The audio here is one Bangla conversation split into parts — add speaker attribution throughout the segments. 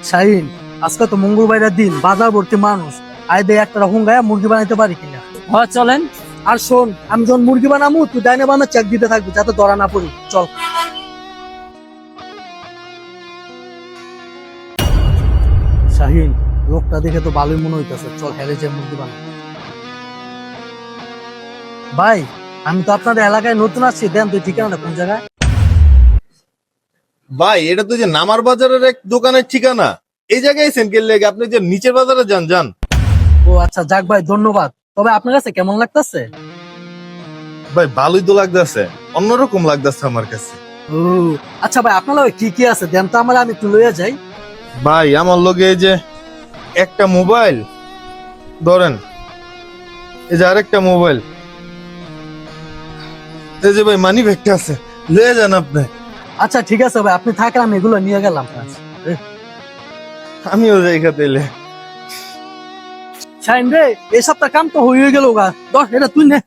Speaker 1: শাহিন, আজকে তো মঙ্গলবারের দিন, বাজার ভর্তি মানুষ। আয় দে একটা হুঙ্গায় মুরগি বানাইতে পারি কিনা।
Speaker 2: হ্যাঁ চলেন।
Speaker 1: আর শোন, আমি যখন মুরগি বানাবো তুই ডাইনে বানা চেক দিতে থাকবি যাতে ধরা না পড়ি। চল। শাহিন, লোকটা দেখে তো ভালোই মনে হইতেছে, চল হেরে যে মুরগি বানাবো। ভাই, আমি তো আপনাদের এলাকায় নতুন আছি, দেন তুই ঠিকানাটা কোন জায়গায়?
Speaker 3: ভাই এটা তো যে নামার বাজারের এক দোকানের ঠিকানা। এই জায়গায় আছেন কে লেগে? আপনি যে নিচের বাজারে যান যান।
Speaker 1: ও আচ্ছা, যাক ভাই, ধন্যবাদ। তবে আপনার কাছে কেমন লাগতেছে?
Speaker 3: ভাই ভালোই তো লাগতেছে, অন্যরকম লাগতেছে আমার কাছে।
Speaker 1: ও আচ্ছা ভাই, আপনার লগে কি কি আছে দেন তো আমার, আমি একটু লইয়া যাই।
Speaker 3: ভাই আমার লগে এই যে একটা মোবাইল ধরেন, এই যে আরেকটা মোবাইল, এই যে ভাই মানি ব্যাগটা আছে, লয়ে যান আপনি।
Speaker 1: আচ্ছা ঠিক আছে ভাই, আপনি থাকেন, আমি এগুলো নিয়ে গেলাম।
Speaker 3: আমিও যাই খাতে এলে।
Speaker 1: শাইন রে, এই সপ্তাহ কাম তো হয়ে গেল গা, দশ এটা তুই নে।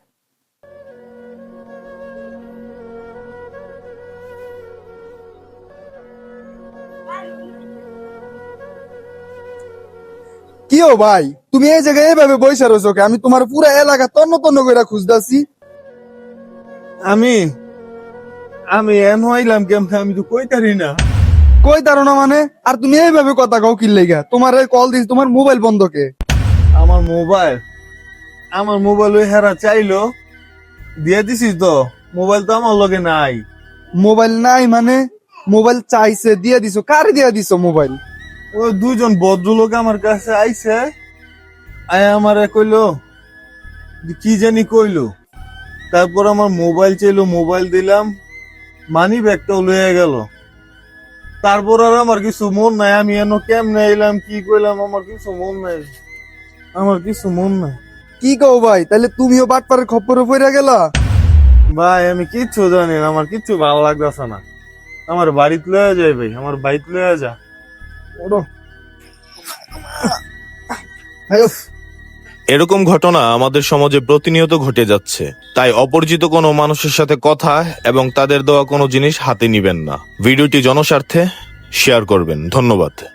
Speaker 4: কি ও ভাই, তুমি এই জায়গায় এইভাবে বইসা রয়েছো কে? আমি তোমার পুরো এলাকা তন্ন তন্ন করে খুঁজতাছি।
Speaker 3: আমি আমি এন হইলাম কেমন, আমি তো কইতারি না।
Speaker 4: কই তারো না মানে? আর তুমি এইভাবে কথা কও কি লেগা? তোমার কল দিস, তোমার মোবাইল বন্ধ কে?
Speaker 3: আমার মোবাইল ওই হেরা চাইলো, দিয়ে দিছি তো। মোবাইল তো আমার লগে নাই।
Speaker 4: মোবাইল নাই মানে? মোবাইল চাইছে, দিয়ে দিছো? কারে দিয়ে দিছো মোবাইল?
Speaker 3: ওই দুইজন ভদ্রলোক আমার কাছে আইছে, আয় আমারে কইলো যে কি জানি কইলো, তারপর আমার মোবাইল চাইলো, মোবাইল দিলাম, মানি ব্যাগটাও লয়ে গেল। তারপর আর আমার কিছু মন নাই, আমি এন কেমনে এলাম কি কইলাম, আমার কিছু মন নাই, আমার কিছু মন নাই।
Speaker 4: কি কও ভাই, তাহলে তুমিও বাটপারের খপ্পরে পড়ে গেলা?
Speaker 3: ভাই আমি কিচ্ছু জানি না, আমার কিচ্ছু ভালো লাগতেছে না। আমার বাড়িতে লয়ে যাই ভাই, আমার বাড়িতে লয়ে যা।
Speaker 4: ওরো
Speaker 5: এরকম ঘটনা আমাদের সমাজে প্রতিনিয়ত ঘটে যাচ্ছে। তাই অপরিচিত কোনো মানুষের সাথে কথা এবং তাদের দেওয়া কোনো জিনিস হাতে নিবেন না। ভিডিওটি জনস্বার্থে শেয়ার করবেন। ধন্যবাদ।